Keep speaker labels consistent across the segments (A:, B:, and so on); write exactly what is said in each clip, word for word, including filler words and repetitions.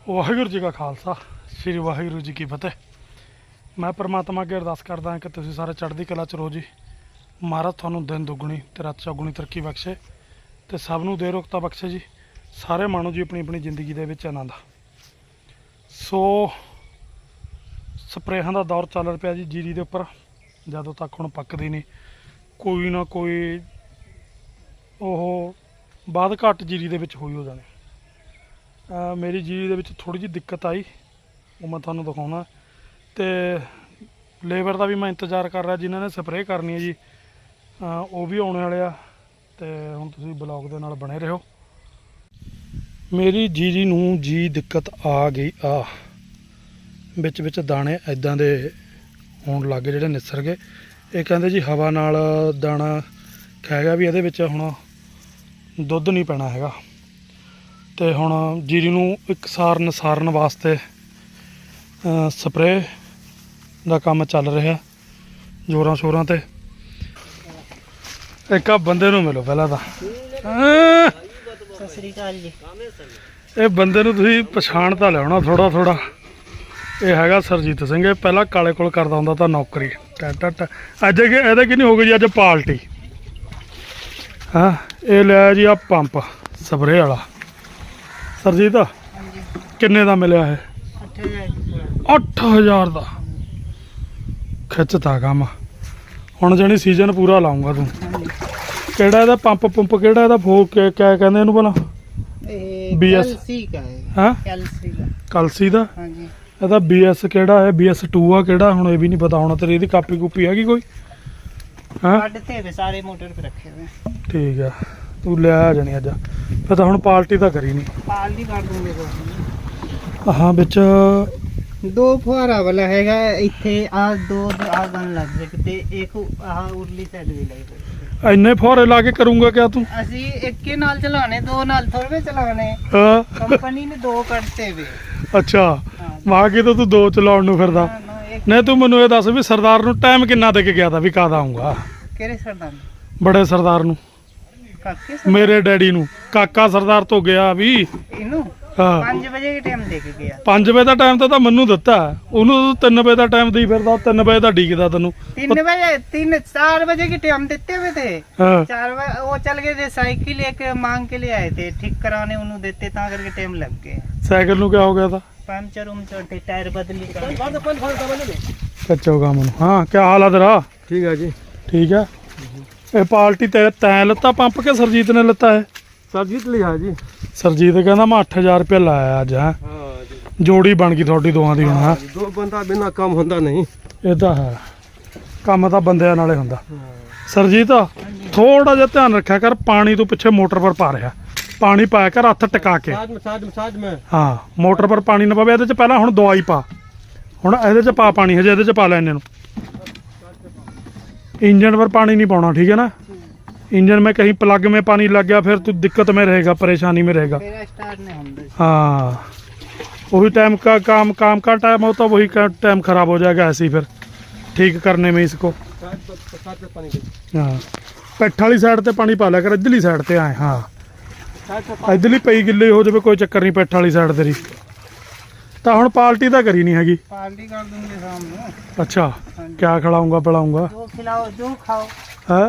A: ਵਾਹਿਗੁਰੂ ਜੀ ਕਾ ਖਾਲਸਾ ਸ੍ਰੀ ਵਾਹਿਗੁਰੂ ਜੀ ਕੀ ਫਤਿਹ। ਮੈਂ परमात्मा ਅੱਗੇ ਅਰਦਾਸ ਕਰਦਾ ਹਾਂ ਕਿ ਤੁਸੀਂ ਸਾਰੇ ਚੜ੍ਹਦੀ ਕਲਾ ਚ ਰਹੋ ਜੀ। ਮਹਾਰਾਜ ਤੁਹਾਨੂੰ ਦਿਨ ਦੁੱਗਣੀ ਤੇ ਰਾਤ ਚੌਗੁਣੀ ਤਰੱਕੀ ਬਖਸ਼ੇ ਤੇ ਸਭ ਨੂੰ ਦੇ ਰੋਗਤਾ ਬਖਸ਼ੇ ਜੀ। ਸਾਰੇ ਮਾਣੋ ਜੀ ਆਪਣੀ ਆਪਣੀ ਜ਼ਿੰਦਗੀ ਦੇ ਵਿੱਚ ਆਨੰਦ। ਸੋ ਸਪਰੇਹਾਂ ਦਾ ਦੌਰ ਚੱਲ ਪਿਆ ਜੀ ਜੀਰੀ ਦੇ ਉੱਪਰ। ਜਦੋਂ ਤੱਕ ਹੁਣ ਪੱਕਦੀ ਨਹੀਂ ਕੋਈ ਨਾ ਕੋਈ ਉਹ ਬਾਅਦ ਘੱਟ ਜੀਰੀ ਦੇ ਵਿੱਚ ਹੋਈ ਹੋ ਜਾਣੀ। ਅਹ ਮੇਰੀ ਜੀਰੀ ਦੇ ਵਿੱਚ ਥੋੜ੍ਹੀ ਜਿਹੀ ਦਿੱਕਤ ਆਈ, ਉਹ ਮੈਂ ਤੁਹਾਨੂੰ ਦਿਖਾਉਣਾ। ਤੇ ਲੇਬਰ ਦਾ ਵੀ ਮੈਂ ਇੰਤਜ਼ਾਰ ਕਰ ਰਿਹਾ ਜਿਨ੍ਹਾਂ ਨੇ ਸਪਰੇਅ ਕਰਨੀ ਹੈ ਜੀ, ਅਹ ਉਹ ਵੀ ਆਉਣੇ ਵਾਲੇ ਆ। ਤੇ ਹੁਣ ਤੁਸੀਂ ਬਲੌਗ ਦੇ ਨਾਲ ਬਣੇ ਰਹੋ। ਮੇਰੀ ਜੀਰੀ ਨੂੰ ਜੀ ਦਿੱਕਤ ਆ ਗਈ ਆ, ਵਿੱਚ ਵਿੱਚ ਦਾਣੇ ਐਦਾਂ ਦੇ ਹੋਣ ਲੱਗ ਗਏ ਜਿਹੜੇ ਨਿਸਰ ਗਏ। ਇਹ ਕਹਿੰਦੇ ਜੀ ਹਵਾ ਨਾਲ ਦਾਣਾ ਖਹਿ ਗਿਆ ਵੀ ਇਹਦੇ ਵਿੱਚ ਹੁਣ ਦੁੱਧ ਨਹੀਂ ਪੈਣਾ ਹੈਗਾ। ਤੇ ਹੁਣ ਜੀਰੀ ਨੂੰ ਇਕਸਾਰ ਨਸਾਰਨ ਵਾਸਤੇ ਸਪਰੇਅ ਦਾ ਕੰਮ ਚੱਲ ਰਿਹਾ ਜ਼ੋਰਾਂ ਸ਼ੋਰਾਂ ਤੇ। ਇੱਕ ਆ ਬੰਦੇ ਨੂੰ ਮਿਲੋ ਪਹਿਲਾਂ ਤਾਂ।
B: ਸਤਿ ਸ੍ਰੀ ਅਕਾਲ ਜੀ।
A: ਇਹ ਬੰਦੇ ਨੂੰ ਤੁਸੀਂ ਪਛਾਣ ਤਾਂ ਲਿਆਉਣਾ ਥੋੜਾ ਥੋੜਾ। ਇਹ ਹੈਗਾ ਸਰਜੀਤ ਸਿੰਘ। ਇਹ ਪਹਿਲਾਂ ਕਾਲੇ ਕੋਲ ਕਰਦਾ ਹੁੰਦਾ ਤਾਂ ਨੌਕਰੀ ਟਾ ਟਾ। ਅੱਜ ਕਿ ਇਹਦੇ ਕਿੰਨੀ ਹੋ ਗਈ ਜੀ ਅੱਜ ਪਾਰਟੀ। ਹਾਂ ਇਹ ਲਿਆ ਜੀ ਆ ਪੰਪ ਸਪਰੇਅ ਵਾਲਾ। ਸਰਜੀਤ ਕਿੰਨੇ ਦਾ ਮਿਲਿਆ ਇਹ? ਅੱਠ ਹਜ਼ਾਰ ਦਾ ਖਿੱਚਤਾ ਕੰਮ। ਹੁਣ ਜਾਣੀ ਸੀਜ਼ਨ ਪੂਰਾ ਲਾਉਂਗਾ ਤੂੰ। ਕਿਹੜਾ ਇਹਦਾ ਪੰਪ ਪੰਪ ਕਿਹੜਾ ਇਹਦਾ ਫੋ ਕਿਆ ਕਹਿੰਦੇ ਇਹਨੂੰ ਭਲਾ? ਬੀ ਐਸ ਹਾਂ ਕਲਸੀ ਦਾ।
B: ਹਾਂਜੀ
A: ਇਹਦਾ ਬੀ ਐਸ ਕਿਹੜਾ ਹੈ? ਬੀ ਐਸ ਟੂ ਆ ਕਿਹੜਾ? ਹੁਣ ਇਹ ਵੀ ਨਹੀਂ ਪਤਾ ਹੋਣਾ ਤੇਰੀ। ਇਹਦੀ ਕਾਪੀ ਕੂਪੀ ਹੈਗੀ ਕੋਈ? ਹਾਂ
B: ਸਾਰੇ ਮੋਟਰ ਤੇ ਰੱਖੇ ਹੋਏ।
A: ਠੀਕ ਆ ਤੂੰ ਲੈ ਆ ਜਾਣੀ ਅੱਜ। ਫਿਰ ਤਾਂ ਹੁਣ ਪਾਰਟੀ ਤਾਂ ਕਰੀ ਨਹੀਂ।
B: ਪਾਲਟੀ ਕਰ ਦੂੰਗੇ ਦੋ।
A: ਹਾਂ ਵਿੱਚ
B: ਦੋ ਫੁਹਾਰਾ ਵਾਲਾ ਹੈਗਾ ਇੱਥੇ ਆ, ਦੋ ਆ ਗਨ ਲੱਗ ਜੇ ਤੇ ਇੱਕ ਆਹ ਉਰਲੀ ਸਾਈਡ ਵੀ ਲਾਈ।
A: ਇੰਨੇ ਫੁਹਾਰੇ ਲਾ ਕੇ ਕਰੂੰਗਾ ਕਿਆ ਤੂੰ?
B: ਅਸੀਂ ਇੱਕ ਹੀ ਨਾਲ ਚਲਾਣੇ, ਦੋ ਨਾਲ ਥੋੜੇ ਚਲਾਣੇ।
A: ਹਾਂ
B: ਕੰਪਨੀ ਨੇ ਦੋ ਕੱਢਤੇ ਵੇ।
A: ਅੱਛਾ ਮਾਂ ਕੀ ਤਾਂ ਤੂੰ ਦੋ ਚਲਾਉਣ ਨੂੰ ਫਿਰਦਾ। ਨਹੀਂ ਤੂੰ ਮੈਨੂੰ ਇਹ ਦੱਸ ਵੀ ਸਰਦਾਰ ਨੂੰ ਟਾਈਮ ਕਿੰਨਾ ਦੇ ਕੇ ਗਿਆ ਤਾਂ ਵੀ ਕਦ ਆਊਂਗਾ?
B: ਕਿਹੜੇ ਸਰਦਾਰ?
A: ਬੜੇ ਸਰਦਾਰ ਨੂੰ,
B: ਕਾਕੇ
A: ਮੇਰੇ ਡੈਡੀ ਨੂੰ। ਕਾਕਾ ਸਰਦਾਰ ਤੋਂ ਗਿਆ ਵੀ
B: ਇਹਨੂੰ
A: ਹਾਂ
B: ਪੰਜ ਵਜੇ ਦੇ ਟਾਈਮ ਦੇ ਕੇ ਗਿਆ।
A: ਪੰਜ ਵਜੇ ਦਾ ਟਾਈਮ ਤਾਂ ਤਾਂ ਮੈਨੂੰ ਦਿੱਤਾ। ਉਹਨੂੰ ਤਿੰਨ ਵਜੇ ਦਾ ਟਾਈਮ ਦੇਈ ਫਿਰਦਾ। ਤਿੰਨ ਵਜੇ ਦਾ ਡੀਕਦਾ ਤੈਨੂੰ।
B: तीन बजे तीन चार बजे के टाइम देते हुए थे।
A: हाँ।
B: चार बजे वो चल गए थे, साइकिल एक मांग के लिए आए थे, ठीक कराने उन्होंने देते ता करके टाइम लग गए।
A: ਸਾਈਕਲ ਨੂੰ ਕਿਆ ਹੋ ਗਿਆ ਤਾਂ?
B: पंचर उमचर थे, टायर बदली करने।
A: ਕੱਚੋ ਕੰਮ ਨੂੰ। ਹਾਂ ਕਿਆ ਹਾਲ ਆ ਤੇਰਾ?
C: ठीक है जी।
A: ਠੀਕ ਆ। ਇਹ ਪਾਰਟੀ ਤੇ ਤੈਂ ਲੱਤਾ ਪੰਪ ਕੇ ਸਰਜੀਤ ਨੇ ਲੱਤਾ ਹੈ?
C: सरजीत लिया जी।
A: ਸਰਜੀਤ ਕਹਿੰਦਾ ਮੈਂ ਅੱਠ ਹਜ਼ਾਰ ਰੁਪਇਆ ਲਾਇਆ ਅੱਜ। ਹੈ
C: हाँ जी।
A: ਜੋੜੀ ਬਣ ਗਈ ਤੁਹਾਡੀ ਦੋਹਾਂ ਦੀ ਹੁਣ। ਹਾਂ
C: दो बंदा बिना काम होता नहीं।
A: ਇਹ ਤਾਂ ਹੈ, ਕੰਮ ਤਾਂ ਬੰਦਿਆਂ ਨਾਲੇ ਹੁੰਦਾ। ਸਰਜੀਤ ਥੋੜਾ ਜਿਹਾ ਧਿਆਨ ਰੱਖਿਆ ਕਰ। ਪਾਣੀ ਤੋਂ ਪਿੱਛੇ ਮੋਟਰ ਪਰ ਪਾ ਰਿਹਾ ਪਾਣੀ ਪਾਇਆ ਕਰ ਹੱਥ ਟਿਕਾ ਕੇ।
C: साथ में साथ में साथ में।
A: ਹਾਂ ਮੋਟਰ ਪਰ ਪਾਣੀ ਨਾ ਪਵੇ। ਇਹਦੇ ਚ ਪਹਿਲਾਂ ਹੁਣ ਦਵਾਈ ਪਾ। ਹੁਣ ਇਹਦੇ ਚ ਪਾ ਪਾਣੀ, ਹਜੇ ਇਹਦੇ ਚ ਪਾ ਲੈ ਇੰਨੇ ਨੂੰ। इंजन पर पानी नहीं पाना, ठीक है ना? इंजन में कहीं प्लग में पानी लग गया फिर तो दिक्कत में रहेगा, परेशानी में रहेगा।
B: मेरा स्टार्ट नहीं होता।
A: हाँ वही टाइम का काम काम का टाइम होता वही का टाइम खराब हो जाएगा ऐसे ही फिर ठीक करने में इसको।
C: साथ में पानी दे।
A: हाँ पैठ वाली साइड ते पानी पा लिया कर, इधरली साइड ते आए। हाँ इधरली पई गिल्ली हो जाए कोई चक्कर नहीं, पैठ वाली साइड तेरी। ਤਾਂ ਹੁਣ ਪਾਰਟੀ ਤਾਂ ਕਰੀ ਨਹੀਂ ਹੈਗੀ।
B: पार्टी कर दूंगे शाम में।
A: ਅੱਛਾ ਕਿਆ ਖਿਲਾਊਂਗਾ ਪਿਲਾਊਂਗਾ?
B: जो खिलाओ जो खाओ।
A: ਹਾਂ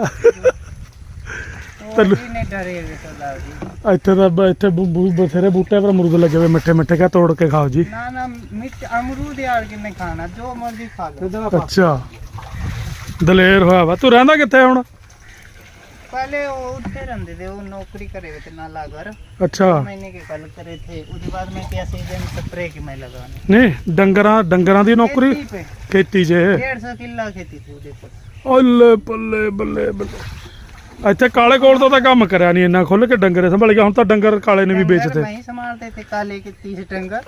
B: वो
A: तल्लू।
B: भी नहीं डरेगा सरदार जी।
A: ਇੱਥੇ ਤਾਂ ਬ- ਇੱਥੇ ਬੂ- ਬੂ- ਬਥੇਰੇ ਬੂਟੇ ਪਰ ਅਮਰੂਦ ਲੱਗੇ ਹੋਏ ਮਿੱਠੇ ਮਿੱਠੇ। ਕਾ ਤੋੜ ਕੇ ਖਾਓ ਜੀ।
B: ना ना मिर्च अमरूद यार कि नहीं खाना, जो मर्जी खा लो।
A: ਅੱਛਾ ਦਲੇਰ ਹੋਇਆ ਵਾ। ਤੂੰ ਰਹਿੰਦਾ ਕਿੱਥੇ ਹੁਣ?
B: पहले वो उठे रहते थे, वो नौकरी करे हुए थे नाला घर।
A: ਅੱਛਾ
B: महीने के कल करे थे, उसके बाद में क्या सीजन स्प्रे की मैं लगाने।
A: ਨਹੀਂ ਡੰਗਰਾਂ ਡੰਗਰਾਂ ਦੀ ਨੌਕਰੀ
B: खेती पे
A: ਖੇਤੀ 'ਚ।
B: डेढ़ सौ किला खेती थी उधर पर।
A: ਓਲੇ ਬੱਲੇ ਬੱਲੇ ਬੱਲੇ। ਇੱਥੇ ਕਾਲੇ ਕੋਲ ਤੋਂ ਤਾਂ ਕੰਮ ਕਰਿਆ ਨਹੀਂ ਇੰਨਾ ਖੁੱਲ ਕੇ ਡੰਗਰੇ ਸੰਭਲ ਗਿਆ। ਹੁਣ ਤਾਂ ਡੰਗਰ ਕਾਲੇ ਨੇ ਵੀ
B: डंगर
A: ਵੇਚਦੇ।
B: मैं ही संभालते थे काले के तीस डंगर।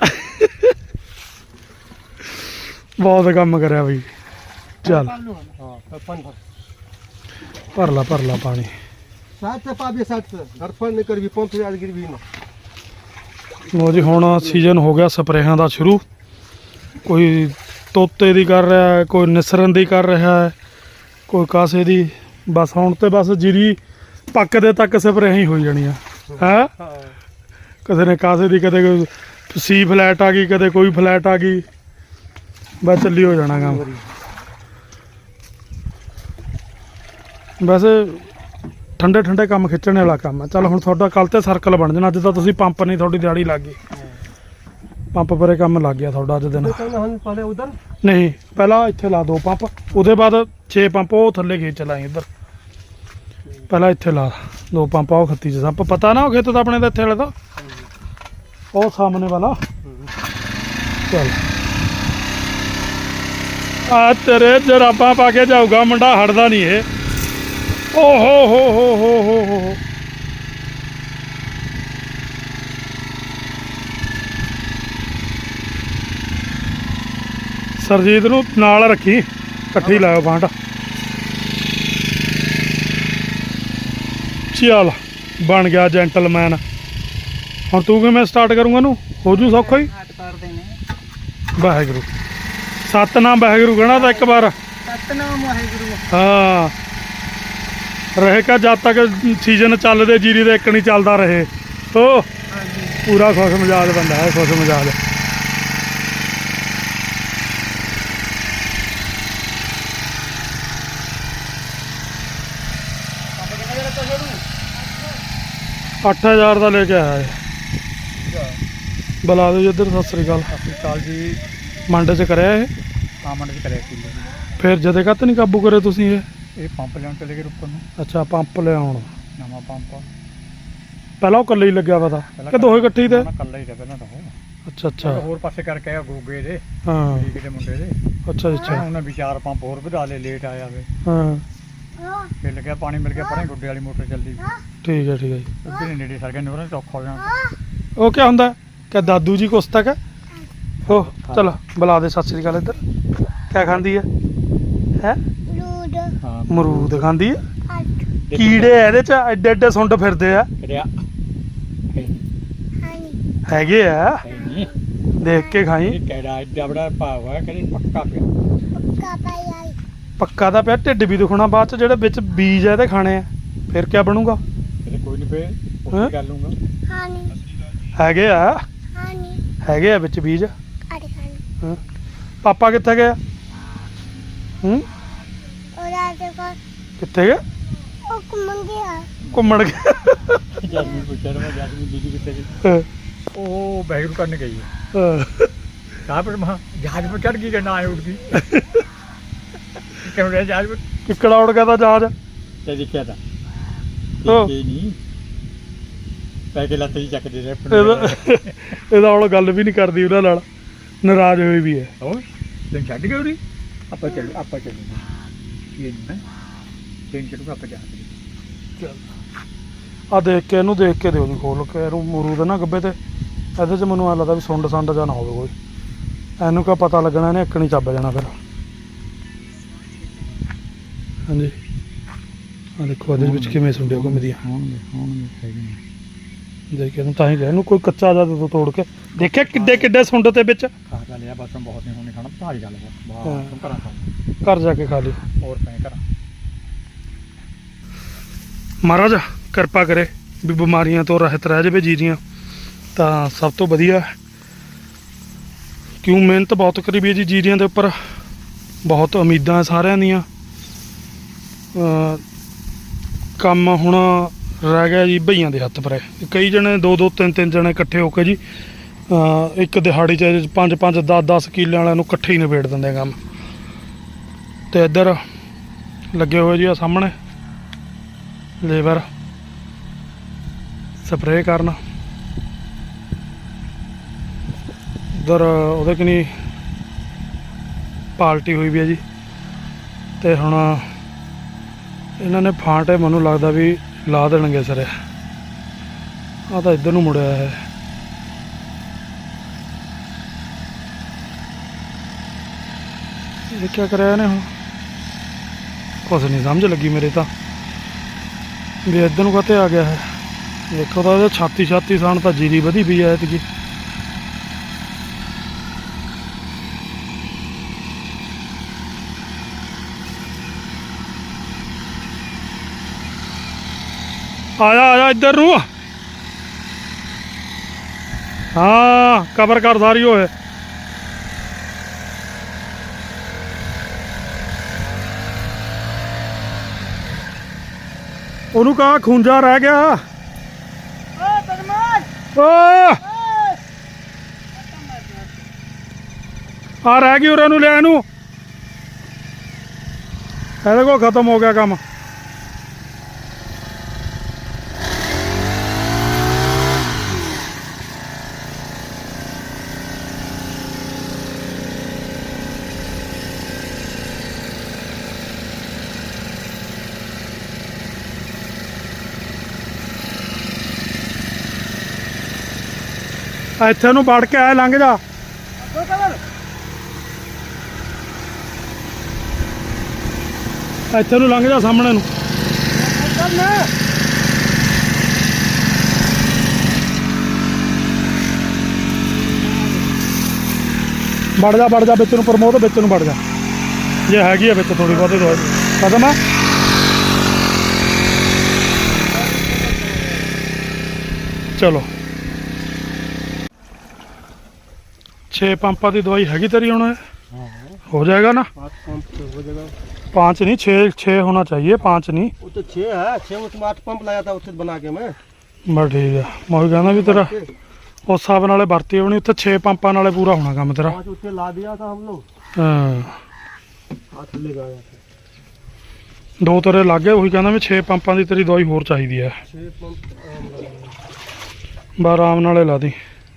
A: ਬਹੁਤ ਕੰਮ ਕਰਿਆ ਬਈ। ਚੱਲ
B: पालू है ना।
C: हाँ पानी भर।
A: ਭਰ ਲਾ ਭਰ ਲਾ ਪਾਣੀ।
C: साथ से पाबे साथ से धरफड़ नहीं कर भी पंप याद गिर भी ना।
A: ਲੋ ਜੀ ਹੁਣ ਸੀਜ਼ਨ ਹੋ ਗਿਆ ਸਪਰੇਹਾਂ ਦਾ ਸ਼ੁਰੂ। ਕੋਈ ਤੋਤੇ ਦੀ ਕਰ ਰਿਹਾ ਹੈ, ਕੋਈ ਨਿਸਰਨ ਦੀ ਕਰ ਰਿਹਾ ਹੈ, ਕੋਈ ਕਾਸੇ ਦੀ। ਬਸ ਹੁਣ ਤੇ ਬਸ ਜੀਰੀ ਪੱਕਦੇ ਤੱਕ ਸਪਰੇਹਾਂ ਹੀ ਹੋਈ ਜਾਣੀਆਂ ਹੈ।
C: हाँ।
A: ਕਿਸੇ ਨੇ ਕਾਸੇ ਦੀ, ਕਦੇ ਕੋਈ ਸੀ ਫਲੈਟ ਆ ਗਈ, ਕਦੇ ਕੋਈ ਫਲੈਟ ਆ ਗਈ, ਬਸ ਚੱਲੀ ਹੋ ਜਾਣਾ ਕੰਮ। ਵੈਸੇ ਠੰਡੇ ਠੰਡੇ ਕੰਮ ਖਿੱਚਣ ਵਾਲਾ ਕੰਮ ਹੈ। ਚੱਲ ਹੁਣ ਤੁਹਾਡਾ ਕੱਲ ਤੇ ਸਰਕਲ ਬਣ ਜਾਣਾ। ਅੱਜ ਤਾਂ ਤੁਸੀਂ ਪੰਪ ਨਹੀਂ, ਤੁਹਾਡੀ ਦਿਹਾੜੀ ਲੱਗ ਗਈ। ਪੰਪ ਪਰੇ ਕੰਮ ਲੱਗ ਗਿਆ ਤੁਹਾਡਾ ਅੱਜ ਦਿਨ।
C: हम पहले उधर
A: ਨਹੀਂ ਪਹਿਲਾਂ ਇੱਥੇ ਲਾ ਦੋ ਪੰਪ, ਉਹਦੇ ਬਾਅਦ ਛੇ ਪੰਪ ਉਹ ਥੱਲੇ ਖੇਤ ਚਲਾਈ ਇੱਧਰ। ਪਹਿਲਾਂ ਇੱਥੇ ਲਾ ਦੋ ਪੰਪ, ਉਹ ਖੱਤੀ ਚ ਸੱਪ ਪਤਾ ਨਾ ਉਹ ਖੇਤ ਤਾਂ ਆਪਣੇ ਦਾ ਇੱਥੇ ਵਾਲੇ ਦਾ, ਉਹ ਸਾਹਮਣੇ ਵਾਲਾ। ਚੱਲ ਆ ਤੇਰੇ ਜਰਾਬਾਂ ਪਾ ਕੇ ਜਾਊਗਾ ਮੁੰਡਾ, ਹਟਦਾ ਨਹੀਂ ਇਹ। ਓ ਹੋ ਹੋ ਹੋ ਹੋ ਹੋ ਹੋ ਸਰਜੀਤ ਨੂੰ ਨਾਲ ਰੱਖੀ, ਇਕੱਠੀ ਲਾਇਓ ਬਾਂਟ। ਚੱਲ ਬਣ ਗਿਆ ਜੈਂਟਲਮੈਨ। ਹੁਣ ਤੂੰ ਕਿਵੇਂ ਸਟਾਰਟ ਕਰੂੰਗਾ ਨੂੰ? ਹੋ ਜੂ ਸੌਖਾ ਹੀ।
B: ਹਟ ਕਰਦੇ ਨੇ
A: ਵਾਹਿਗੁਰੂ ਸਤਨਾਮ ਵਾਹਿਗੁਰੂ ਕਹਿਣਾ ਤਾਂ ਇੱਕ ਵਾਰ।
B: ਸਤਨਾਮ ਵਾਹਿਗੁਰੂ।
A: ਹਾਂ ਰਹੇਗਾ ਜਦ ਤੱਕ ਸੀਜ਼ਨ ਚੱਲਦੇ ਜੀਰੀ ਦੇ, ਇੱਕ ਨਹੀਂ ਚੱਲਦਾ ਰਹੇ। ਓ
B: ਹਾਂਜੀ
A: ਪੂਰਾ ਖੁਸ਼ ਮਿਜਾਜ ਬੰਦਾ ਹੈ, ਖੁਸ਼ ਮਿਜਾਜ। ਅੱਠ ਹਜ਼ਾਰ ਦਾ ਲੈ ਕੇ ਆਇਆ ਹੈ। ਬੁਲਾ ਦਿਓ ਜੀ ਇੱਧਰ। ਸਤਿ ਸ੍ਰੀ ਅਕਾਲ।
C: ਸਤਿ ਸ਼੍ਰੀ ਅਕਾਲ ਜੀ।
A: ਮੰਡੇ 'ਚ ਕਰਿਆ ਇਹ?
C: ਹਾਂ ਮੰਡੀ 'ਚ ਕਰਿਆ ਸੀ
A: ਫਿਰ ਜਦੇ ਕੱਤ ਨਹੀਂ ਕਾਬੂ ਕਰੇ ਤੁਸੀਂ ਇਹ?
C: ਇਹ ਪੰਪ ਲੈਣ ਚਲੇ ਗਏ ਉੱਪਰ ਨੂੰ,
A: ਅੱਛਾ ਪੰਪ ਲਿਆਉਣ।
C: ਨਵਾਂ ਪੰਪ
A: ਪਹਿਲਾਂ ਉਹ ਇਕੱਲੇ ਹੀ ਲੱਗਿਆ ਵਾ ਤਾਂ ਕਿ ਦੋਹੇ ਇਕੱਠੇ ਹੀ ਤੇ?
C: ਕੱਲਾ ਹੀ ਰਿਹਾ ਪਹਿਲਾਂ ਤਾਂ ਉਹ।
A: ਅੱਛਾ ਅੱਛਾ
C: ਹੋਰ ਪਾਸੇ ਕਰਕੇ ਆਇਆ ਗੋਗੇ ਦੇ,
A: ਹਾਂ
C: ਠੀਕ ਦੇ ਮੁੰਡੇ ਦੇ।
A: ਅੱਛਾ ਅੱਛਾ
C: ਉਹਨਾਂ ਵੀ ਚਾਰ ਪੰਪ ਹੋਰ ਵਧਾ ਲਏ, ਲੇਟ ਆਇਆ ਵੇ।
A: ਹਾਂ
C: ਫਿਰ ਲੱਗਿਆ ਪਾਣੀ ਮਿਲ ਗਿਆ, ਪਰੇ ਗੁੱਡੇ ਵਾਲੀ ਮੋਟਰ ਚੱਲਦੀ।
A: ਠੀਕ ਹੈ ਠੀਕ ਹੈ ਜੀ।
C: ਉੱਧਰ ਹੀ ਨੇੜੇ ਸਰ ਗਿਆ, ਨੋਰਾਂ ਚੌਖਾ ਹੋ ਜਾਣਾ।
A: ਉਹ ਕੀ ਹੁੰਦਾ ਕਿ ਦਾਦੂ ਜੀ ਕੁਛ ਤੱਕ ਹੋ? ਚਲ ਬੁਲਾ ਦੇ। ਸਤਿ ਸ੍ਰੀ ਅਕਾਲ ਇੱਧਰ। ਕਿਆ ਖਾਂਦੀ ਹੈ? ਹੈ
C: ਹਾਂ
A: ਮਰੂਦ ਖਾਂਦੀ ਹੈ। ਕੀੜੇ ਇਹਦੇ ਚ ਐਡੇ ਐਡੇ ਸੁੰਡ ਫਿਰਦੇ ਆ।
C: ਕਰਿਆ
A: ਹੈਗੇ ਆ,
C: ਨਹੀਂ
A: ਦੇਖ ਕੇ ਖਾਈ।
C: ਇਹ ਕਿਹੜਾ ਐਡਾ ਬੜਾ ਭਾਵ ਹੈ, ਕਹਿੰਦੇ ਪੱਕਾ ਪਿਆ।
A: ਪੱਕਾ ਦਾ ਪਿਆ, ਢਿੱਡ ਵੀ ਦੁਖਣਾ ਬਾਅਦ ਚ। ਜਿਹੜੇ ਵਿੱਚ ਬੀਜ ਆ ਇਹਦੇ ਖਾਣੇ ਆ, ਫਿਰ ਕਿਆ ਬਣੂਗਾ?
C: ਇਹਦੇ ਕੋਈ ਨਹੀਂ ਪਏ,
A: ਹੈਂ?
C: ਉਹ ਕਰ ਲੂੰਗਾ।
A: ਹੈਗੇ ਆ, ਹੈਗੇ ਆ ਵਿੱਚ ਬੀਜ। ਹਾਂ। ਪਾਪਾ ਕਿੱਥੇ ਗਏ? ਹੂੰ ਕਿੱਥੇ ਗਏ? ਘੁੰਮਣ ਗਏ।
C: ਜੈਸਮੀਨ ਪੁੱਛਿਆ ਨਾ, ਜੈਸਮੀਨ ਦੀਦੀ ਕਿੱਥੇ ਗਈ?
A: ਹਾਂ,
C: ਉਹ ਬੈਗਰੂ ਕਰਨ ਗਈ ਹੈ।
A: ਹਾਂ।
C: ਕਹਾਂ ਪਰ ਮਹਾ ਜਹਾਜ਼ ਪਰ ਚੜ ਗਈ ਕਿ ਨਾ ਆਏ ਉੱਠ ਗਈ। ਕਿਉਂ ਰਿਹਾ ਜਹਾਜ਼ ਪਰ?
A: ਕਿੱਕੜਾ ਉੜ ਗਿਆ ਤਾਂ ਜਹਾਜ਼।
C: ਤੇ ਦੇਖਿਆ ਤਾਂ
A: ਉਹ।
C: ਦੇਖੇ ਨਹੀਂ, ਪੈ ਕੇ ਲੱਤ ਹੀ ਚੱਕਦੇ ਰਹੇ।
A: ਇਹਦਾ ਇਹਦਾ ਹੁਣ ਗੱਲ ਵੀ ਨਹੀਂ ਕਰਦੀ ਉਹਨਾਂ ਨਾਲ, ਨਾਰਾਜ਼ ਹੋਈ ਵੀ ਹੈ।
C: ਹੋਰ ਦਿਨ ਛੱਡ ਗਏ ਉਰੀ। ਆਪਾਂ ਚੱਲ ਆਪਾਂ ਚੱਲੂਗੇ, ਇਹ ਨਹੀਂ ਮੈਂ ਦਿਨ ਛੱਡੂਗਾ, ਆਪਾਂ ਜਾਵਾਂਗੇ।
A: ਆ ਦੇਖ ਕੇ ਇਹਨੂੰ ਦੇਖ ਕੇ ਦਿਓ ਜੀ ਖੋਲ ਕੇ। ਇਹਨੂੰ ਮਰੂ ਦੇ ਨਾ ਗੱਬੇ ਤੇ, ਇਹਦੇ 'ਚ ਮੈਨੂੰ ਐਂ ਲੱਗਦਾ ਵੀ ਸੁੰਡ ਸੰਡ ਜਾਂ ਨਾ ਹੋਵੇ ਕੋਈ। ਇਹਨੂੰ ਕਿਆ ਪਤਾ ਲੱਗਣਾ, ਇਹਨੇ ਇੱਕ ਨਹੀਂ ਚੱਬ ਜਾਣਾ ਫਿਰ। ਹਾਂਜੀ ਆ ਦੇਖੋ ਇਹਦੇ ਵਿੱਚ ਕਿਵੇਂ ਸੁੰਡੀਆਂ ਘੁੰਮਦੀਆਂ।
C: ਹੋਣਗੇ ਹੋਣਗੇ ਹੈਗੇ ਨੇ।
A: ਦੇਖ ਇਹਨੂੰ ਤਾਂ ਹੀ ਕਿਹਾ ਇਹਨੂੰ ਕੋਈ ਕੱਚਾ ਜਾ ਤੋਂ ਤੋੜ ਕੇ ਦੇਖਿਆ ਕਿੱਡੇ ਕਿੱਡੇ ਸੁੰਡ ਤੇ ਵਿੱਚ।
C: ਖਾ ਖਾ ਲਿਆ ਬਸ, ਬਹੁਤ ਨਹੀਂ ਹੋਣੇ ਖਾਣਾ, ਭਾਰੀ ਗੱਲ ਹੈ।
A: ਹਾਂ।
C: ਬਾਹਰ ਤੂੰ ਘਰਾਂ ਖਾ
A: ਘਰ ਜਾ ਕੇ ਖਾ ਲਈ।
C: ਹੋਰ ਪੈ ਘਰਾਂ।
A: ਮਹਾਰਾਜ ਕਿਰਪਾ ਕਰੇ ਵੀ ਬਿਮਾਰੀਆਂ ਤੋਂ ਰਹਿਤ ਰਹਿ ਜਾਵੇ ਜੀਰੀਆਂ, ਤਾਂ ਸਭ ਤੋਂ ਵਧੀਆ। ਕਿਉਂ ਮਿਹਨਤ ਬਹੁਤ ਕਰੀ ਵੀ ਹੈ ਜੀ ਜੀਰੀਆਂ ਦੇ ਉੱਪਰ, ਬਹੁਤ ਉਮੀਦਾਂ ਸਾਰਿਆਂ ਦੀਆਂ। ਅਹ ਕੰਮ ਹੁਣ ਰਹਿ ਗਿਆ ਜੀ ਭਈਆਂ ਦੇ ਹੱਥ ਪਰੇ। ਕਈ ਜਣੇ ਦੋ ਦੋ ਤਿੰਨ ਤਿੰਨ ਜਣੇ ਇਕੱਠੇ ਹੋ ਕੇ ਜੀ ਅਹ ਇੱਕ ਦਿਹਾੜੀ 'ਚ ਪੰਜ ਪੰਜ ਦਸ ਦਸ ਕਿੱਲਿਆਂ ਵਾਲਿਆਂ ਨੂੰ ਇਕੱਠੇ ਹੀ ਨਿਬੇੜ ਦਿੰਦੇ ਕੰਮ। ਤੇ ਇੱਧਰ ਲੱਗੇ ਹੋਏ ਜੀ ਆ ਸਾਹਮਣੇ ਲੇਬਰ ਸਪਰੇਅ ਕਰਨ। ਇੱਧਰ ਉਹਦੇ ਕਨੀ ਪਾਲਟੀ ਹੋਈ ਵੀ ਹੈ ਜੀ। ਤੇ ਹੁਣ ਇਹਨਾਂ ਨੇ ਫਾਂਟੇ ਮੈਨੂੰ ਲੱਗਦਾ ਵੀ ਲਾ ਦੇਣਗੇ ਸਿਰੇ। ਆ ਤਾਂ ਇੱਧਰ ਨੂੰ ਮੁੜਿਆ ਹੈ। ਇਹ ਕੀ ਕਰਿਆ ਇਹਨੇ ਹੁਣ? ਕੁਛ ਨਹੀਂ ਸਮਝ ਲੱਗੀ ਮੇਰੇ ਤਾਂ ਵੀ ਇੱਧਰ ਨੂੰ ਕਾਤੇ ਆ ਗਿਆ ਹੈ। ਦੇਖੋ ਤਾਂ ਇਹਦੇ ਛਾਤੀ ਛਾਤੀ ਸਾਣ ਤਾਂ ਜੀਰੀ ਵਧੀ ਪਈ ਐ ਐਤਕੀ। ਆਇਆ ਆਇਆ ਇੱਧਰ ਨੂੰ। ਹਾਂ ਕਵਰ ਕਰ ਸਾਰੀ ਹੋਏ। ਉਹਨੂੰ ਕਹਾ ਖੂੰਜਾ ਰਹਿ ਗਿਆ।
B: ਓ ਬਦਮਾਸ਼
A: ਓ ਆ ਰਹਿ ਗਈ ਉਰੇ ਨੂੰ ਲੈ ਇਹਨੂੰ। ਇਹਦੇ ਕੋਲ ਖਤਮ ਹੋ ਗਿਆ ਕੰਮ। ਇੱਥੇ ਨੂੰ ਵੜ ਕੇ ਆਏ ਲੰਘ ਜਾ। ਇੱਥੇ ਨੂੰ ਲੰਘ ਜਾ ਸਾਹਮਣੇ ਨੂੰ। ਵੜ ਜਾ ਵੜ ਜਾ ਵਿੱਚ ਨੂੰ ਪ੍ਰਮੋਦ ਵਿੱਚ ਨੂੰ ਵੜ ਜਾ। ਜੇ ਹੈਗੀ ਆ ਵਿੱਚ ਥੋੜੀ ਬਹੁਤੀ ਦਵਾਈ ਖਤਮ ਆ। ਚਲੋ छः पंपा की दवाई हैगी तेरी होना है हो जाएगा ना।
C: पाँच पंप हो जाएगा।
A: पाँच नहीं छः छः होना चाहिए पाँच नहीं।
C: वो तो छः है छः उसमें आठ पंप लाया था उससे बना के मैं।
A: बस ठीक है मैं कहना भी तेरा उस हिसाब नाल भर्ती होनी उत्थे छः पंपा नाल पूरा होना काम तेरा।
C: पाँच उससे ला दिया था हम लोग।
A: हाँ
C: आठ ले गया था।
A: दो तेरे लागे वही कहना भी छः पंपा की तेरी दवाई होर चाहिए है।
C: छः पंप
A: बस आराम नाल ला दी।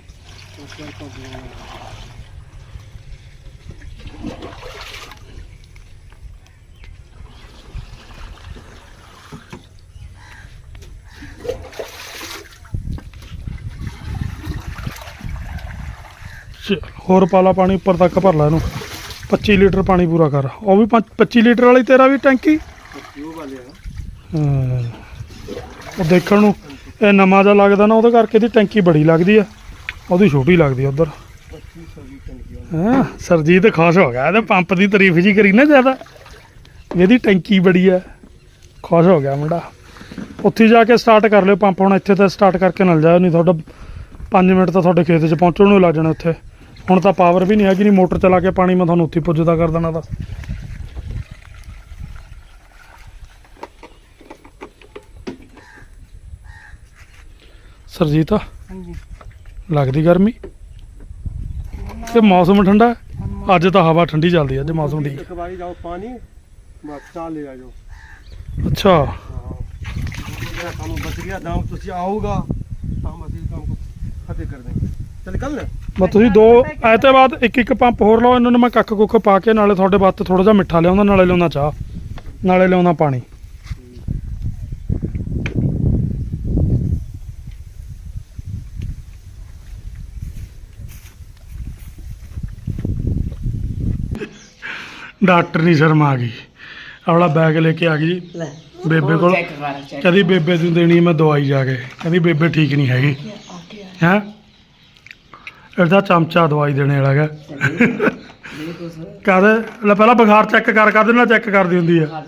A: होर पाला पानी उपर तक भर ला इनू। पच्ची लीटर पानी पूरा कर। वो भी पच्ची लीटर वाली तेरा भी टैंकी। हाँ वो देखण नूं ये नवां जिहा लगदा ना ਉਹਦੇ ਕਰਕੇ ਦੀ ਟੈਂਕੀ बड़ी लगदी है ਉਹਦੀ छोटी लगदी है उधर। हाँ सरजीत खुश हो गया ਇਹਦੇ पंप की तारीफ जी करी ना ज़्यादा ਇਹਦੀ टैंकी बड़ी है खुश हो गया मुंडा। ਉੱਥੇ ਜਾ ਕੇ स्टार्ट कर लियो पंप। ਹੁਣ ਇੱਥੇ ਤਾਂ स्टार्ट करके ना जाओ नहीं ਤੁਹਾਡਾ पाँच मिनट तो ਤੁਹਾਡੇ खेत 'ਚ ਪਹੁੰਚਣ ਨੂੰ ਲੱਗ ਜਾਣੇ ਉੱਥੇ। ਹੁਣ ਤਾਂ ਪਾਵਰ ਵੀ ਨਹੀਂ ਹੈਗੀ ਨਹੀਂ ਮੋਟਰ ਚਲਾ ਕੇ ਪਾਣੀ ਮੈਂ ਤੁਹਾਨੂੰ ਉੱਥੇ ਪੁੱਜਦਾ ਕਰ ਦੇਣਾ ਤਾਂ। ਸਰਜੀਤ ਲੱਗਦੀ ਗਰਮੀ ਤੇ ਮੌਸਮ ਠੰਡਾ ਅੱਜ ਤਾਂ ਹਵਾ ਠੰਡੀ ਚੱਲਦੀ ਅੱਜ ਮੌਸਮ ਠੀਕ।
C: एक बारी जाओ पानी बस चाल ले जाओ।
A: ਅੱਛਾ
C: काम बच गया दाम तुझे आऊगा हम असली काम को खत्म कर देंगे। चल कल ना
A: ਬਸ ਤੁਸੀਂ ਦੋ ਐ ਤੇ ਬਾਅਦ ਇੱਕ ਇੱਕ ਪੰਪ ਹੋਰ ਲਾਓ। ਇਹਨਾਂ ਨੂੰ ਮੈਂ ਕੱਖ ਕੁੱਖ ਪਾ ਕੇ ਨਾਲੇ ਤੁਹਾਡੇ ਵਾਸਤੇ ਥੋੜਾ ਜਿਹਾ ਮਿੱਠਾ ਲਿਆਉਂਦਾ ਨਾਲੇ ਲਿਆਉਂਦਾ ਚਾਹ ਨਾਲੇ ਲਿਆਉਂਦਾ ਪਾਣੀ। डॉक्टर नहीं शर्मा आ गई अपना बैग लेके आ गई जी बेबे को। कहती बेबे तू देनी मैं दवाई जाके कहती बेबे ठीक नहीं हैगी है। ਇਹਦਾ ਚਮਚਾ ਦਵਾਈ ਦੇਣੇ ਵਾਲਾ ਹੈਗਾ। ਕਹਦੇ ਲੈ ਪਹਿਲਾਂ ਬੁਖਾਰ ਚੈੱਕ ਕਰ ਕਰ ਦੇਣਾ ਚੈੱਕ ਕਰਦੀ ਹੁੰਦੀ ਆ।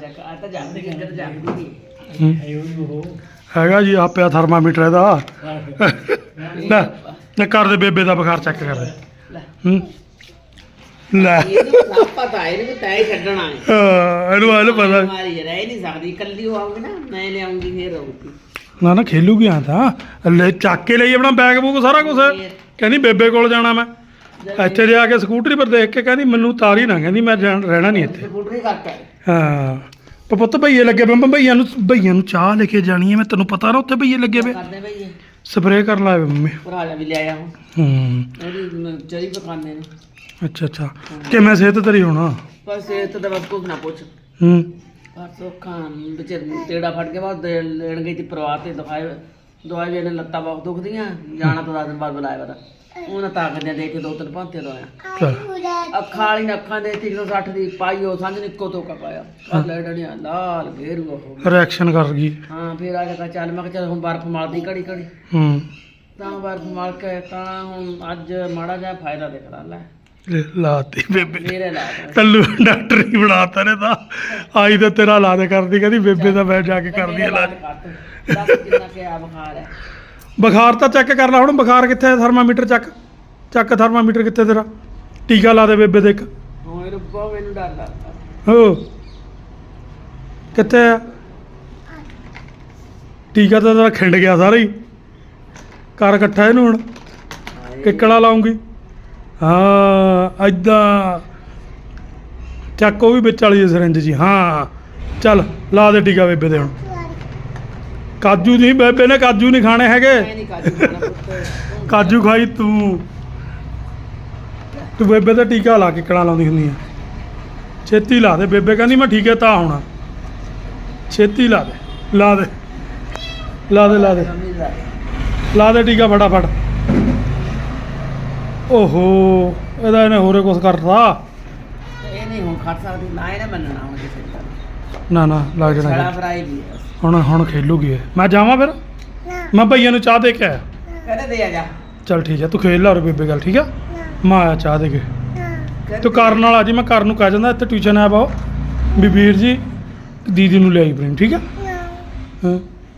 A: ਹੈਗਾ ਜੀ ਆ ਪਿਆ ਥਰਮਾਮੀਟਰ ਇਹਦਾ। ਲੈ ਲੈ ਕਰ ਦੇ ਬੇਬੇ ਦਾ ਬੁਖਾਰ ਚੈੱਕ ਕਰ ਦੇ। ਹੂੰ ਲੈ
D: ਪਤਾ ਇਹਨੂੰ ਤਾਂ ਹੀ ਛੱਡਣਾ ਹੈ।
A: ਹਾਂ ਇਹਨੂੰ ਇਹਨੂੰ ਪਤਾ
D: ਮਾਰੀ ਰਹਿ ਨਹੀਂ ਸਕਦੀ ਕੱਲੀ ਉਹ ਆਉਂਗੀ ਨਾ ਮੈਂ ਲਿਆਉਂਗੀ ਫੇਰ ਆਉਂਗੀ।
A: ਨਾ ਨਾ ਖੇਲੂਗੀ ਆ ਤਾਂ ਲੈ ਚੱਕ ਕੇ ਲਈ ਆਪਣਾ ਬੈਗ ਬੂਗ ਸਾਰਾ ਕੁਝ। ਕਹਿੰਦੀ ਬੇਬੇ ਕੋਲ ਜਾਣਾ ਮੈਂ ਇੱਥੇ ਜਾ ਕੇ ਸਕੂਟਰੀ ਪਰ ਦੇਖ ਕੇ ਕਹਿੰਦੀ ਮੈਨੂੰ ਤਾਰੀ ਨਾ ਕਹਿੰਦੀ ਮੈਂ ਜਾਣ ਰਹਿਣਾ ਨਹੀਂ ਇੱਥੇ।
D: ਸਕੂਟਰੀ ਕਰਕੇ
A: ਹਾਂ ਪਰ ਪੁੱਤ ਭਈਏ ਲੱਗੇ ਪਏ ਭਈਆਂ ਨੂੰ ਭਈਆਂ ਨੂੰ ਚਾਹ ਲੈ ਕੇ ਜਾਣੀ ਹੈ ਮੈਂ ਤੈਨੂੰ ਪਤਾ ਨਾ ਉੱਥੇ ਭਈਏ ਲੱਗੇ ਪਏ
D: ਕਰਦੇ ਭਈ
A: ਸਪਰੇਅ ਕਰਨ ਲਾਏ ਮੰਮੀ।
D: ਭਰਾ ਜਾ ਵੀ ਲਿਆਇਆ ਹੁਣ
A: ਹੂੰ
D: ਉਹਦੀ ਚਰੀ ਪਕਾਉਂਦੇ ਨੇ।
A: ਅੱਛਾ ਅੱਛਾ ਕਿਵੇਂ ਸਿਹਤ ਤੇਰੀ ਹੋਣਾ?
D: ਬਸ ਇਹ ਤਾਂ ਬਸ ਕੁਝ ਨਾ ਪੁੱਛ।
A: ਹੂੰ
D: ਬਸ ਔਖਾ ਵਿੱਚ ਤੇੜਾ ਫੜ ਕੇ ਬਾਅਦ ਲੈਣ ਗਈ ਤੇ ਪਰਿਵਾਰ ਤੇ ਦਵਾਈ ਦਵਾਈ ਵੀ ਲੱਤਾਂ ਬਹੁਤ ਦੁਖਦੀਆਂ ਜਾਣਾ ਤਾਂ ਦਸ ਦਿਨ ਬਾਅਦ ਬੁਲਾਇਆ ਵਾ ਉਹਨਾਂ ਤਾਕਤ ਦੇ ਕੇ ਦੋ ਤਿੰਨ ਭਾਂਤੇ ਦਵਾਇਆ
A: ਚੱਲ
D: ਅੱਖਾਂ ਵਾਲੀ ਨੇ ਅੱਖਾਂ ਦੇ ਤਿੰਨ ਸੌ ਸੱਠ ਦੀ ਪਾਈ ਉਹ ਸਾਂਝ ਨਿੱਕੋ ਤੋਕਾ ਪਾਇਆ ਆ ਲੈ ਡੜੀਆਂ ਲਾਲ ਘੇਰੂ ਉਹ
A: ਰਿਐਕਸ਼ਨ ਕਰ ਗਈ।
D: ਹਾਂ ਫਿਰ ਆ ਕੇ ਚੱਲ ਮੈਂ ਕਿਹਾ ਚੱਲ ਹੁਣ ਬਰਫ਼ ਮਾਰਦੀ ਘੜੀ ਘੜੀ
A: ਹੂੰ
D: ਤਾਂ ਬਰਫ਼ ਮਾਰ ਕੇ ਤਾਂ ਹੁਣ ਅੱਜ ਮਾੜਾ ਜਿਹਾ ਫਾਇਦਾ ਦਿਖਦਾ ਲੈ
A: ਲੈ ਲਾਤੀ ਬੇਬੇ
D: ਮੇਰੇ ਲਾ
A: ਕੱਲੂ ਡਾਕਟਰ ਹੀ ਬਣਾਤਾ ਨੇ ਤਾਂ ਆਈ ਤਾਂ ਤੇਰਾ ਇਲਾਜ ਕਰਦੀ ਕਹਿੰਦੀ ਬੇਬੇ ਦਾ ਮੈਂ ਜਾ ਕੇ ਕਰਦੀ ਇਲਾਜ।
D: ਦੱਸ ਕਿੰਨਾ ਕਿ ਆ ਬੁਖਾਰ ਹੈ
A: ਬੁਖਾਰ ਤਾਂ ਚੈੱਕ ਕਰ ਲੈ ਹੁਣ, ਬੁਖਾਰ ਕਿੱਥੇ ਹੈ? ਥਰਮਾਮੀਟਰ ਚੱਕ ਚੱਕ ਥਰਮਾਮੀਟਰ ਕਿੱਥੇ ਤੇਰਾ? ਟੀਕਾ ਲਾ ਦੇ ਬੇਬੇ ਦੇ ਇੱਕ।
D: ਹੋਏ ਰੱਬਾ ਮੈਨੂੰ ਡਰ ਲੱਗਦਾ।
A: ਹੋ ਕਿੱਥੇ ਆ ਟੀਕਾ? ਤਾਂ ਤੇਰਾ ਖਿੰਡ ਗਿਆ ਸਾਰਾ ਹੀ। ਕਰ ਇਕੱਠਾ ਇਹਨੂੰ ਹੁਣ, ਕਿੱਕਣਾ ਲਾਉਂਗੀ। ਹਾਂ ਐਦਾਂ ਚੱਕ, ਉਹ ਵੀ ਵਿੱਚ ਵਾਲੀ ਸਿਰੰਜ ਜੀ। ਹਾਂ ਚੱਲ ਲਾ ਦੇ ਟੀਕਾ ਬੇਬੇ ਦੇ ਹੁਣ। ਕਾਜੂ ਨਹੀਂ, ਬੇਬੇ ਨੇ ਕਾਜੂ ਨਹੀਂ ਖਾਣੇ ਹੈਗੇ।
D: ਮੈਂ ਨਹੀਂ ਕਾਜੂ ਖਾਣਾ ਪੁੱਤ।
A: ਕਾਜੂ ਖਾਈ ਤੂੰ ਤੂੰ ਬੇਬੇ ਤੇ ਟੀਕਾ ਲਾ ਕੇ ਕਿੱਕਣਾ ਲਾਉਂਦੀ ਹੁੰਦੀ ਆ। ਛੇਤੀ ਲਾ ਦੇ, ਬੇਬੇ ਕਹਿੰਦੀ ਮੈਂ ਠੀਕ ਹੈ ਤਾਂ ਹੋਣਾ। ਛੇਤੀ ਲਾ ਦੇ, ਲਾ ਦੇ ਲਾ ਦੇ ਲਾ ਦੇ ਲਾ ਦੇ ਟੀਕਾ ਫਟਾਫਟ। ਓਹੋ ਇਹਦਾ ਇਹਨੇ ਹੋਰੇ ਕੁਛ ਕਰਤਾ।
D: ਇਹ ਨਹੀਂ ਹੁਣ ਖੜ ਸਕਦੀ ਨਾ, ਇਹਨੇ ਮੰਨਣਾ ਹੁਣ ਕਿਸੇ ਦਾ।
A: ਨਾ ਨਾ ਲੱਗ
D: ਛੜਾ
A: ਜਾਣਾ
D: ਫਰਾਈ ਵੀ ਹੈ।
A: ਹੁਣ ਹੁਣ ਖੇਲੂਗੀ ਇਹ। ਮੈਂ ਜਾਵਾਂ ਫਿਰ? ਮੈਂ ਭਈਆ ਨੂੰ ਚਾਹ ਦੇ ਕੇ ਆਇਆ।
D: ਕਹਿੰਦੇ ਦੇ ਆ ਜਾ।
A: ਚੱਲ ਠੀਕ ਹੈ, ਤੂੰ ਖੇਲ ਲਾ ਔਰ ਬੇਬੇ ਗੱਲ। ਠੀਕ ਆ, ਮੈਂ ਆਇਆ ਚਾਹ ਦੇ ਕੇ। ਤੂੰ ਕਰਨ ਨਾਲ ਆ ਜੀ, ਮੈਂ ਕਰਨ ਨੂੰ ਕਹਿ ਜਾਂਦਾ ਇੱਥੇ ਟਿਊਸ਼ਨ ਆ ਬਾਓ ਵੀ ਵੀਰ ਜੀ ਦੀਦੀ ਨੂੰ ਲਿਆਈ ਪ੍ਰੇਮ। ਠੀਕ ਆ ਹਾਂ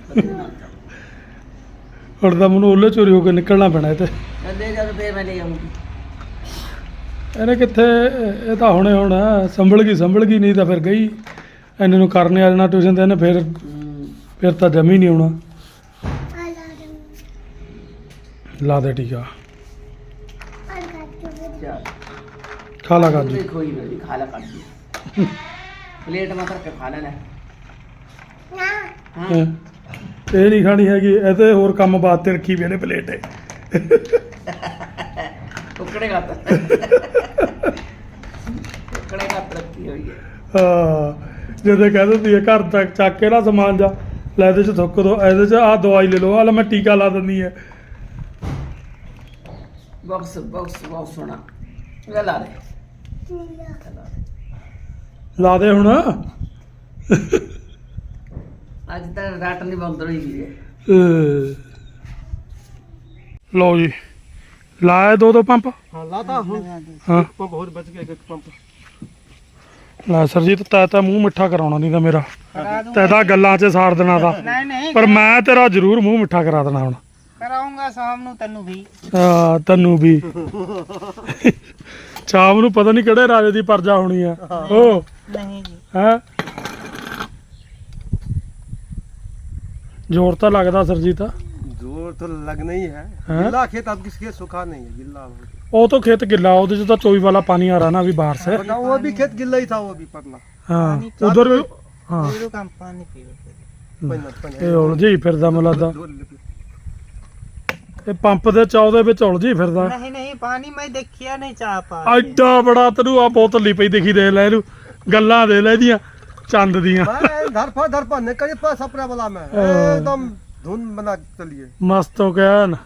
A: ਹੁਣ ਤਾਂ ਮੈਨੂੰ ਉਹਲੇ ਚੋਰੀ ਹੋ ਕੇ ਨਿਕਲਣਾ ਪੈਣਾ ਇਹ ਤੇ।
D: ਕਹਿੰਦੇ ਜਦ ਫੇਰ ਮੈਂ ਲੈ ਆਉਂਗੀ।
A: ਇਹਨੇ ਕਿੱਥੇ, ਇਹ ਤਾਂ ਹੁਣੇ ਹੁਣ ਸੰਭਲ ਗਈ ਸੰਭਲ ਗਈ, ਨਹੀਂ ਤਾਂ ਫਿਰ ਗਈ। ਇਹਨੇ ਨੂੰ ਕਰਨੇ ਆ ਜਾਣਾ ਟਿਊਸ਼ਨ ਤੇ, ਇਹਨੇ ਫਿਰ ਫਿਰ ਤਾਂ ਜਮੀ ਨਹੀਂ ਆਉਣਾ। ਲਾ ਦੇ ਟੀਕਾ,
D: ਚੱਲ
A: ਖਾ ਲਾ ਕਾਜੂ।
D: ਕੋਈ ਖੋਈ ਮੇਰੀ ਖਾ ਲਾ ਕਾਜੂ। ਪਲੇਟ ਮਾ ਕਰਕੇ ਖਾ ਲੈਣਾ। ਹਾਂ
A: ਹੈਂ। ਇਹ ਨਹੀਂ ਖਾਣੀ ਹੈਗੀ, ਇਹ ਤੇ ਹੋਰ ਕੰਮ ਬਾਤ ਤੇ ਰੱਖੀ ਵੀ ਇਹਨੇ ਪਲੇਟ ਹੈ।
D: ਟੁਕੜੇ ਘੱਟ ਟੁਕੜੇ ਘੱਟ ਰੱਖੀ ਹੋਈ ਹੈ।
A: ਹਾਂ ਜਦੋਂ ਕਹਿ ਦਿੰਦੀ ਹੈ ਘਰ ਤੱਕ ਚੱਕ ਕੇ ਨਾ ਸਮਾਨ ਜਾ ਲੈ, ਇਹਦੇ ਚ ਥੁੱਕ ਦੋ, ਇਹਦੇ ਚ ਆਹ ਦਵਾਈ ਲੈ ਲਓ, ਆ ਲੈ ਮੈਂ ਟੀਕਾ ਲਾ ਦਿੰਦੀ ਹੈ।
D: ਬਾਕਸ ਬਾਕਸ ਬਹੁਤ ਸੋਹਣਾ। ਇਹ ਲਾ ਦੇ
A: ਲਾ ਦੇ ਹੁਣ।
D: ਅੱਜ ਤਾਂ ਰਾਤ ਨਹੀਂ ਬੰਦ ਹੋਈ ਵੀ ਹੈ।
A: ਅਹ ਲਓ ਜੀ, ਲਾਇਆ ਦੋ ਦੋ ਪੰਪ।
C: हाँ लाता हूँ।
A: ਹਾਂ
C: पंप और बच गया एक पंप।
A: ਲੈ ਸਰਜੀਤ, ਤੈ ਤਾਂ ਮੂੰਹ ਮਿੱਠਾ ਕਰਾਉਣਾ ਨਹੀਂ ਤਾਂ ਮੇਰਾ,
B: करा दूंगा।
A: ਤੈ ਤਾਂ ਗੱਲਾਂ 'ਚ ਸਾੜ ਦੇਣਾ ਤਾਂ।
B: नहीं नहीं
A: ਪਰ ਮੈਂ ਤੇਰਾ ਜ਼ਰੂਰ ਮੂੰਹ ਮਿੱਠਾ ਕਰਾ ਦੇਣਾ ਹੁਣ।
B: कराऊंगा शाम ਨੂੰ ਤੈਨੂੰ ਵੀ।
A: ਆ ਤੈਨੂੰ ਵੀ ਸ਼ਾਮ ਨੂੰ ਪਤਾ ਨਹੀਂ ਕਿਹੜੇ ਰਾਜੇ ਦੀ ਪਰਜਾ ਹੋਣੀ ਆ ਉਹ
B: ਨਹੀਂ ਜੀ
A: ਹੈ। ਜ਼ੋਰ ਤਾਂ ਲੱਗਦਾ ਸਰਜੀਤ।
C: जोर तो लगना ही है।
A: हाँ?
C: गिल्ला खेत अब किसके सूखा नहीं है, गिल्ला हो गया।
A: ਉਹ ਤਾਂ ਖੇਤ ਗਿੱਲਾ, ਉਹਦੇ 'ਚ ਤਾਂ ਚੋਈ ਵਾਲਾ ਪਾਣੀ ਆ ਰਹਾ ਨਾ अभी बाहर से।
C: बताओ, वो भी खेत गिल्ला ही था, वो भी पतला।
A: ਹਾਂ ਉਧਰ ਵੀ ਹਾਂ
B: ਪੀਰੋ ਕੰਮ ਪਾਣੀ ਪੀਓ।
C: पन्ना- पन्ना।
A: ਇਹ ਉਲਝੀ ਫਿਰਦਾ ਮੈਨੂੰ ਲੱਗਦਾ,
C: दो लीटर।
A: ਇਹ ਪੰਪ ਦੇ ਚੌ ਦੇ ਵਿੱਚ ਉਲਝੀ ਫਿਰਦਾ।
B: ਨਹੀਂ ਨਹੀਂ ਪਾਣੀ ਮੈਂ ਦੇਖਿਆ ਨਹੀਂ ਚਾਹ ਪਾ
A: ਐਡਾ ਬੜਾ ਤੈਨੂੰ ਆ ਬੋਤਲ ਲਈ ਪਈ ਦਿਖੀ, ਦੇ ਲੈ ਇਹਨੂੰ, ਗੱਲਾਂ ਦੇ ਲੈ ਇਹਦੀਆਂ ਚੰਦ ਦੀਆਂ।
C: मैं धरफा धरफा निकल पास अपना वाला में एकदम धुन बना के चलिए।
A: ਮਸਤ ਹੋ ਗਿਆ ਨਾ।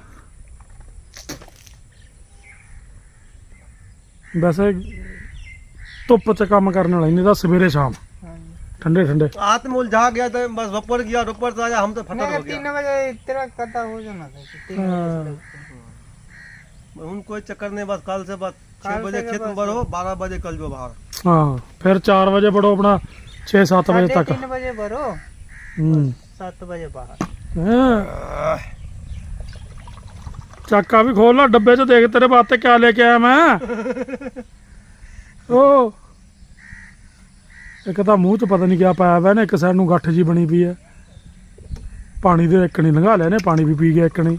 A: ਵੈਸੇ ਧੁੱਪ 'ਚ ਕੰਮ ਕਰਨ ਵਾਲਾ ਨਹੀਂ ਤਾਂ ਸਵੇਰੇ ਸ਼ਾਮ ठंडे ठंडे।
C: हाथ में उलझा गया तो बस दोपहर गया, दोपहर से आया हम तो फटर हो
B: तीन
C: गया।
B: बजे तेरा कदा हो जाना था तीन
A: हाँ।
B: बजे
C: उन कोई चक्कर नहीं, बस कल से बस छह
B: कल
C: बजे
B: से
C: खेत में
B: बस-
C: भरो, बारह बजे कल जो बाहर।
A: हाँ फिर चार बजे बढ़ो अपना, छः सात बजे
B: साढ़े
A: तक।
B: तीन बजे भरो
A: हम्म।
B: सात बजे बाहर।
A: हाँ। चाका भी खोल ला डब्बे च, देख तेरे बाते क्या लेके आया मैं। ओ एक तो मूँह च पता नहीं क्या पाया हुआ, एक साइड ਨੂੰ ਗੱਠ ਜੀ ਬਣੀ ਪਈ ਹੈ। ਪਾਣੀ ਦੇ ਇੱਕ ਨਹੀਂ ਲੰਘਾ ਲਿਆ ਨੇ, ਪਾਣੀ ਵੀ ਪੀ ਗਿਆ ਇੱਕ ਨਹੀਂ।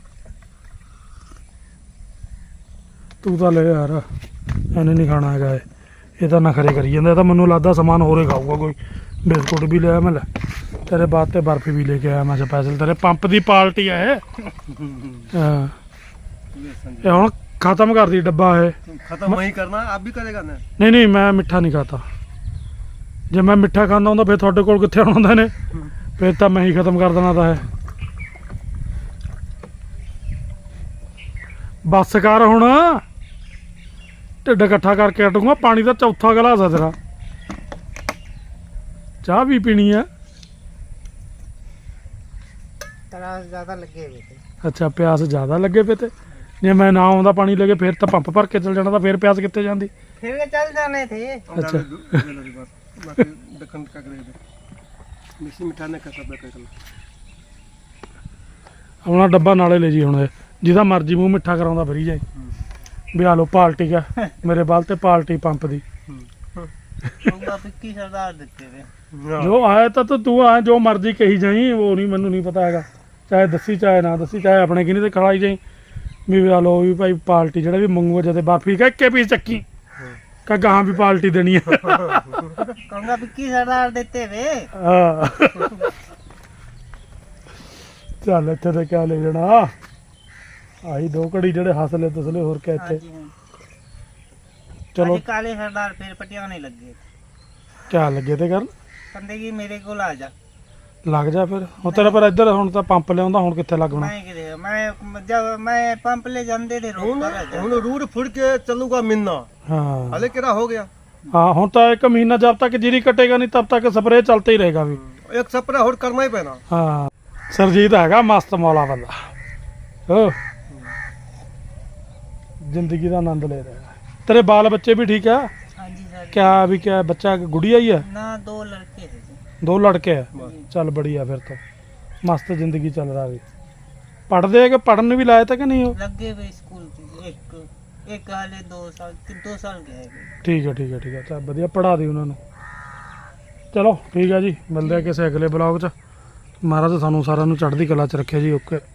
A: ਤੂੰ ਤਾਂ ਲੈ ਯਾਰ, ਇਹਨੇ ਨਹੀਂ ਖਾਣਾ ਹੈਗਾ ਇਹ, ਇਹ ਤਾਂ ਨਖਰੇ ਕਰੀ ਜਾਂਦਾ। ਇਹ ਤਾਂ ਮੈਨੂੰ ਲੱਗਦਾ ਸਮਾਨ ਹੋਰੇ ਖਾਊਗਾ ਕੋਈ। ਬਿਸਕੁਟ ਵੀ ਲਿਆ ਮੈਂ, ਲੈ ਤੇਰੇ ਬਾਅਦ ਤੇ ਬਰਫੀ ਵੀ ਲੈ ਕੇ ਆਇਆ ਮੈਂ ਸਪੈਸ਼ਲ, ਤੇਰੇ ਪੰਪ ਦੀ ਪਾਰਟੀ ਆ ਇਹ। ਹਾਂ ਇਹ ਹੁਣ ਖਤਮ ਕਰਦੀ ਡੱਬਾ ਇਹ।
C: खत्म वही करना, आप भी करेगा ना।
A: ਨਹੀਂ ਨਹੀਂ ਮੈਂ ਮਿੱਠਾ ਨਹੀਂ ਖਾਤਾ। ਜੇ ਮੈਂ ਮਿੱਠਾ ਖਾਂਦਾ ਹੁੰਦਾ ਫਿਰ ਤੁਹਾਡੇ ਕੋਲ ਕਿੱਥੇ ਆਉਣਾ ਹੁੰਦਾ ਨੇ, ਫਿਰ ਤਾਂ ਮੈਂ ਹੀ ਖਤਮ ਕਰ ਦੇਣਾ ਤਾਂ ਹੈ। ਬੱਸ ਕਰ ਹੁਣ, ਢਿੱਡ ਇਕੱਠਾ ਕਰਕੇ ਹਟੂੰਗਾ। ਪਾਣੀ ਦਾ ਚੌਥਾ ਗਲਾਸ ਆ ਤੇਰਾ, ਚਾਹ ਵੀ ਪੀਣੀ ਆ।
B: तरास ज्यादा लगे हुए थे।
A: ਅੱਛਾ ਪਿਆਸ ਜ਼ਿਆਦਾ ਲੱਗੇ ਪਏ ਤੇ, ਜੇ ਮੈਂ ਨਾ ਆਉਂਦਾ ਪਾਣੀ ਲੈ ਕੇ ਫਿਰ ਤਾਂ ਪੰਪ ਭਰ ਕੇ ਚਲ ਜਾਣਾ, ਤਾਂ ਫਿਰ ਪਿਆਸ ਕਿੱਥੇ ਜਾਂਦੀ।
B: फिर के चल जाने थे।
A: अच्छा।
C: बाकी दखन का करेगा मिक्सी मिठाने का सब कर।
A: ਆਪਣਾ ਡੱਬਾ ਨਾਲੇ ਲੈ ਜੀ ਹੁਣ ਇਹ, ਜਿਹਦਾ ਮਰਜ਼ੀ ਮੂੰਹ ਮਿੱਠਾ ਕਰਾਉਂਦਾ ਫਰੀ ਜਾਏ ਵੀ ਆ ਲੋ ਪਾਲਟੀ ਕਾ ਮੇਰੇ ਬਲ ਤੇ ਪਾਲਟੀ ਪੰਪ ਦੀ
B: ਕਹੂੰਗਾ ਵਿੱਕੀ ਸਰਦਾਰ ਦਿੱਤੇ ਵੇ
A: ਜੋ ਆਇਆ ਤਾਂ ਤੂੰ- ਤੂੰ ਆ ਜੋ ਮਰਜ਼ੀ ਕਹੀ ਜਾਈ, ਉਹ ਨਹੀਂ ਮੈਨੂੰ ਨਹੀਂ ਪਤਾ ਹੈਗਾ, ਚਾਹੇ ਦੱਸੀ ਚਾਹੇ ਨਾ ਦੱਸੀ, ਚਾਹੇ ਆਪਣੇ ਕਿਨੇ ਤੇ ਖੜਾਈ ਜਾਈ ਵੀ ਆ ਲੋ ਵੀ ਭਾਈ ਪਾਲਟੀ ਜਿਹੜਾ ਵੀ ਮੰਗੂਗਾ ਜਦੇ ਬਾਫੀ ਕਾ ਇੱਕੇ ਪੀਸ ਚੱਕੀ ਕਾ ਗਾਹਾਂ ਵੀ ਪਾਲਟੀ ਦੇਣੀ ਹੈ।
B: ਕਹੂੰਗਾ ਵਿੱਕੀ ਸਰਦਾਰ ਦਿੱਤੇ ਵੇ
A: ਹਾਂ ਚੱਲ ਇੱਥੇ ਤੇ ਕਿਆ ਲੈ ਜਾਣਾ, ਆਹੀ ਦੋ ਘੜੀ ਜਿਹੜੇ ਹੱਸਲੇ ਤਸਲੇ ਹੋਰ ਕਿਆ ਇੱਥੇ।
B: ਹਾਂਜੀ ਹਾਂ
A: ਚਲੋ
B: ਅੱਜ ਕਾਲੇ ਸਰਦਾਰ ਫਿਰ ਪਟਿਆਣੇ ਲੱਗੇ
A: ਕਿਆ ਲੱਗੇ ਤੇ ਕਰਨ
B: ਕਹਿੰਦੇ ਕਿ ਮੇਰੇ ਕੋਲ ਆ ਜਾ
A: ਲੱਗ ਜਾ ਫਿਰ ਹੁਣ ਤੇਰਾ ਪਰ ਇੱਧਰ ਹੁਣ ਤਾਂ ਪੰਪ ਲਿਆਉਂਦਾ, ਹੁਣ ਕਿੱਥੇ ਲੱਗਣਾ।
B: ਮੈਂ ਕਿਤੇ ਮੈਂ ਜਦ ਮੈਂ ਪੰਪ ਲੈ ਜਾਂਦੇ ਤੇ ਰੋਕ
E: ਹੁਣ
B: ਕਰ
E: ਹੁਣ ਰੂਟ ਫੁੜ ਕੇ ਚੱਲੂਗਾ ਮਿੰਨਾ
A: ਹਾਂ
E: ਹਲੇ ਕਿਹੜਾ ਹੋ ਗਿਆ
A: ਹਾਂ ਹੁਣ ਤਾਂ ਇੱਕ ਮਹੀਨਾ ਜਬ ਤੱਕ ਜੀਰੀ ਕਟੇਗਾ ਨਹੀਂ ਤਬ ਤੱਕ ਸਪਰੇ ਚਲते ही रहेगा ਵੀ।
E: ਇੱਕ ਸਪਰਾ ਹੋਰ ਕਰਨਾ ਹੀ ਪੈਣਾ
A: ਹਾਂ ਸਰਜੀਤ ਹੈਗਾ ਮਸਤ ਮੌਲਾ ਬੰਦਾ, ਹੋ ਜ਼ਿੰਦਗੀ ਦਾ ਆਨੰਦ ਲੈ ਰਿਹਾ। ਤੇਰੇ ਬਾਲ ਬੱਚੇ ਵੀ ਠੀਕ ਆ?
B: ਹਾਂਜੀ ਸਰ
A: ਕਿਆ ਵੀ ਕਿਆ ਬੱਚਾ ਗੁੜੀਆ ਹੀ ਹੈ?
B: ਨਾ ਦੋ ਲੜਕੇ ਹੈ ਜੀ।
A: ਦੋ ਲੜਕੇ ਹੈ? ਚੱਲ ਬੜੀਆ ਫਿਰ ਤਾਂ ਮਸਤ ਜ਼ਿੰਦਗੀ ਚੱਲ ਰਹਾ ਵੀ। ਪੜ੍ਹਦੇ ਆ ਕਿ ਪੜ੍ਹਨ ਨੂੰ ਵੀ ਲਾਇਆ ਤਾਂ ਕਿ ਨਹੀਂ ਉਹ?
B: ਲੱਗੇ ਵੇ ਸਕੂਲ ਚ ਇੱਕ ਇੱਕ ਹਾਲੇ ਦੋ ਸਾਲ ਦੋ ਸਾਲ ਗਏ ਹੈਗੇ।
A: ਠੀਕ ਹੈ ਠੀਕ ਹੈ ਠੀਕ ਹੈ ਚੱਲ ਵਧੀਆ ਪੜ੍ਹਾ ਦੇ ਉਹਨਾਂ ਨੂੰ। ਚਲੋ ਠੀਕ ਹੈ ਜੀ, ਮਿਲਦੇ ਆ ਕਿਸੇ ਅਗਲੇ ਬਲੌਗ 'ਚ। ਮਹਾਰਾਜ ਸਾਨੂੰ ਸਾਰਿਆਂ ਨੂੰ ਚੜ੍ਹਦੀ ਕਲਾ 'ਚ ਰੱਖਿਆ ਜੀ। ਓਕੇ।